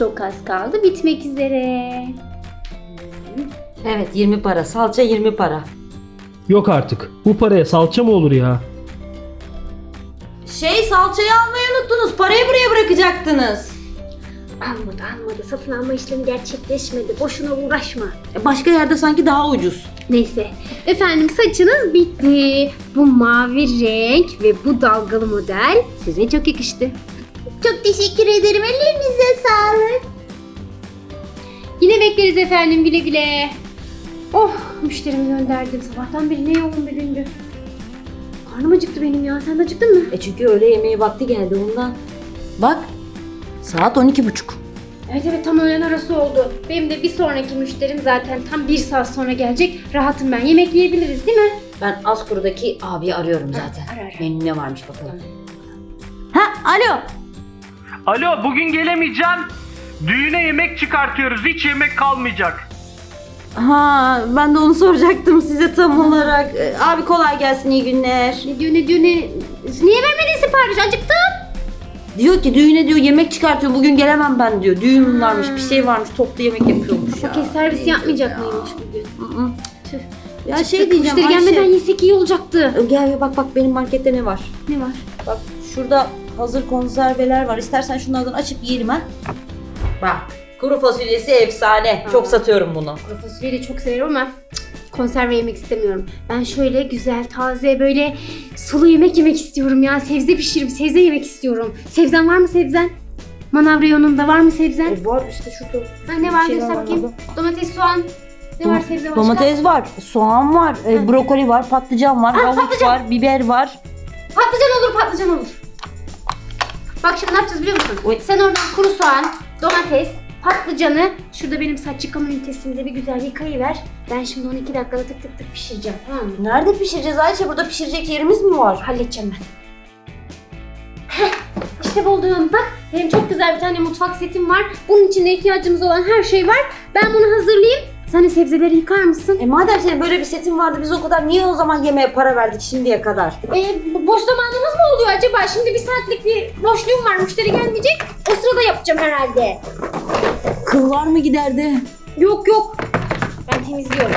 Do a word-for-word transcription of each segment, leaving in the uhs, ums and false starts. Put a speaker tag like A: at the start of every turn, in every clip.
A: Çok az kaldı bitmek üzere.
B: Evet, yirmi para. Salça yirmi para.
C: Yok artık. Bu paraya salça mı olur ya?
B: Şey, salçayı almayı unuttunuz. Parayı buraya bırakacaktınız.
A: Almadı almadı. Satın alma işlemi gerçekleşmedi. Boşuna uğraşma.
B: E, Başka yerde sanki daha ucuz.
A: Neyse. Efendim saçınız bitti. Bu mavi renk ve bu dalgalı model size çok yakıştı. Çok teşekkür ederim. Ellerinize sağlık. Yine bekleriz efendim, güle güle. Oh, müşterimi gönderdim. Sabahtan beri ne yoğun bir gündü. Karnım acıktı benim ya. Sen de acıktın mı?
B: E çünkü öğle yemeği vakti geldi ondan. Bak, saat on iki buçuk.
A: Evet evet, tam öğlen arası oldu. Benim de bir sonraki müşterim zaten tam bir saat sonra gelecek. Rahatım ben. Yemek yiyebiliriz değil mi?
B: Ben Askur'daki abiyi arıyorum zaten.
A: Ara, ara.
B: Menü ne varmış bakalım. Ha, alo.
D: Alo, bugün gelemeyeceğim. Düğüne yemek çıkartıyoruz. Hiç yemek kalmayacak.
B: Ha, ben de onu soracaktım size tam olarak. E, Abi kolay gelsin, iyi günler.
A: Ne diyor ne diyor ne? Niye vermedin sipariş? Acıktım.
B: Diyor ki düğüne diyor yemek çıkartıyor. Bugün gelemem ben diyor. Düğün varmış, bir şey varmış. Toplu yemek yapıyormuş ya.
A: Okey, servis yapmayacak mıymış bugün?
B: Hı hı.
A: Tüh.
B: Ya
A: Acıktık.
B: şey diyeceğim
A: Müşteri gelmeden
B: Ayşe.
A: yesek iyi olacaktı.
B: Gel gel, bak bak benim markette ne var.
A: Ne var?
B: Bak şurada hazır konserveler var. İstersen şunlardan açıp yiyelim ha. Bak, kuru fasulyesi efsane. Çok
A: Aa.
B: satıyorum bunu.
A: Kuru fasulyeyi de çok severim ama cık, konserve yemek istemiyorum. Ben şöyle güzel, taze, böyle sulu yemek yemek istiyorum ya. Sebze pişirip sebze yemek istiyorum. Sebzen var mı sebzen? Manav reyonunda var mı sebzen?
B: E, var işte şurada.
A: Ha, ne var
B: Bir şey
A: göster
B: var
A: bakayım.
B: orada.
A: Domates, soğan. Ne var sebze başka?
B: Domates var, soğan var, e, brokoli var, patlıcan var,
A: Aa,
B: havuç
A: patlıcan.
B: var, biber var.
A: Patlıcan olur, patlıcan olur. Bak şimdi ne yapacağız biliyor musun?
B: Oy.
A: Sen oradan kuru soğan, domates, patlıcanı şurada benim saç yıkama ünitesinde bir güzel yıkayıver. Ben şimdi onu iki dakikada tık tık tık pişireceğim, tamam mı?
B: Nerede pişireceğiz Ayşe? Burada pişirecek yerimiz mi var?
A: Halledeceğim ben. Heh, işte buldum. Bak benim çok güzel bir tane mutfak setim var. Bunun içinde ihtiyacımız olan her şey var. Ben bunu hazırlayayım. Sen de sebzeleri yıkar mısın?
B: E madem senin böyle bir setin vardı, biz o kadar niye o zaman yemeğe para verdik şimdiye kadar?
A: Ee, boş zamanımız mı oluyor acaba? Şimdi bir saatlik bir boşluğum var. Müşteri gelmeyecek. O sırada yapacağım herhalde.
B: Kıllar mı giderdi?
A: Yok yok. Ben temizliyorum.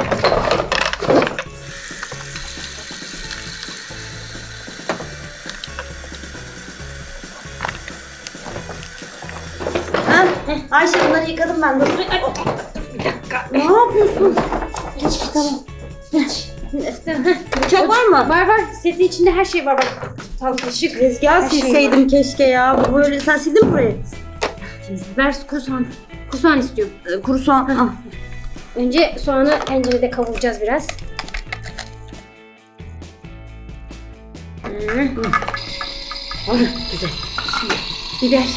B: Ha? Ayşe bunları yıkadım ben. Dur. Ay, bir dakika. Ne yapıyorsun?
A: Geç tamam. Geç.
B: Bıçak var mı?
A: Var var. Setin içinde her şey var bak. Tam kaşık.
B: Tezgah
A: Her şey
B: silseydim keşke ya. Bu böyle, sen sildin mi burayı?
A: Ver kuru soğan. Kuru soğan istiyorum.
B: Ee, kuru soğan. Al.
A: Önce soğanı tencerede kavuracağız biraz. Hmm.
B: Ay, güzel.
A: Biber.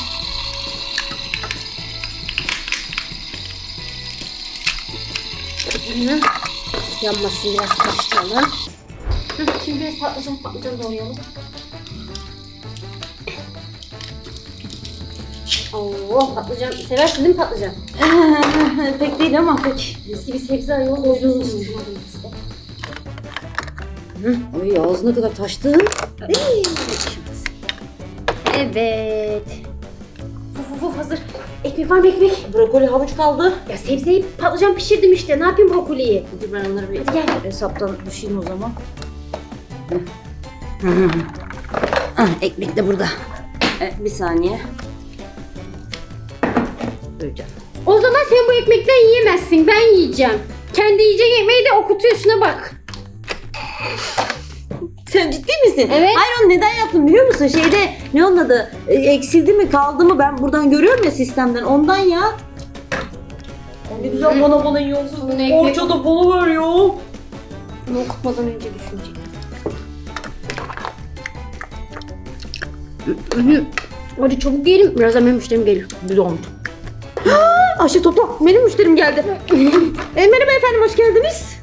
A: Hı. Yanmasın, biraz karıştıralım. Hı, şimdi biraz patlıcan patlıcan doğrayalım. Oo, patlıcan seversin değil mi patlıcan?
B: Pek değil ama pek.
A: Mis gibi sebze ayol doyuyorsun.
B: Ay ağzına kadar taştı.
A: Evet. Uf uf uf, hazır. Ekmek var mı ekmek?
B: Brokoli, havuç kaldı.
A: Ya sebzeyi patlıcan pişirdim işte. Ne yapayım brokoliyi?
B: Dur ben onları bir
A: Hadi gel.
B: hesaptan düşeyim o zaman. Ah, ekmek de burada. Evet, bir saniye. Duyacağım.
A: O zaman sen bu ekmekten yiyemezsin. Ben yiyeceğim. Kendi yiyeceğin ekmeği de okutuyor. Şuna bak.
B: Sen ciddi misin?
A: Evet.
B: Hayır, onu neden yaptım biliyor musun? Şeyde ne onun adı? E, eksildi mi kaldı mı, ben buradan görüyorum ya sistemden, ondan ya. Ne güzel bana bana yiyorsun.
A: Bunu ekmek-
B: Orça da bana ver ya.
A: Bunu okutmadan önce düşünecek. Hadi çabuk yiyelim. Birazdan benim müşterim geliyor.
B: Güzel olmuş. Ayşe topla, benim müşterim geldi. e, merhaba efendim, hoş geldiniz.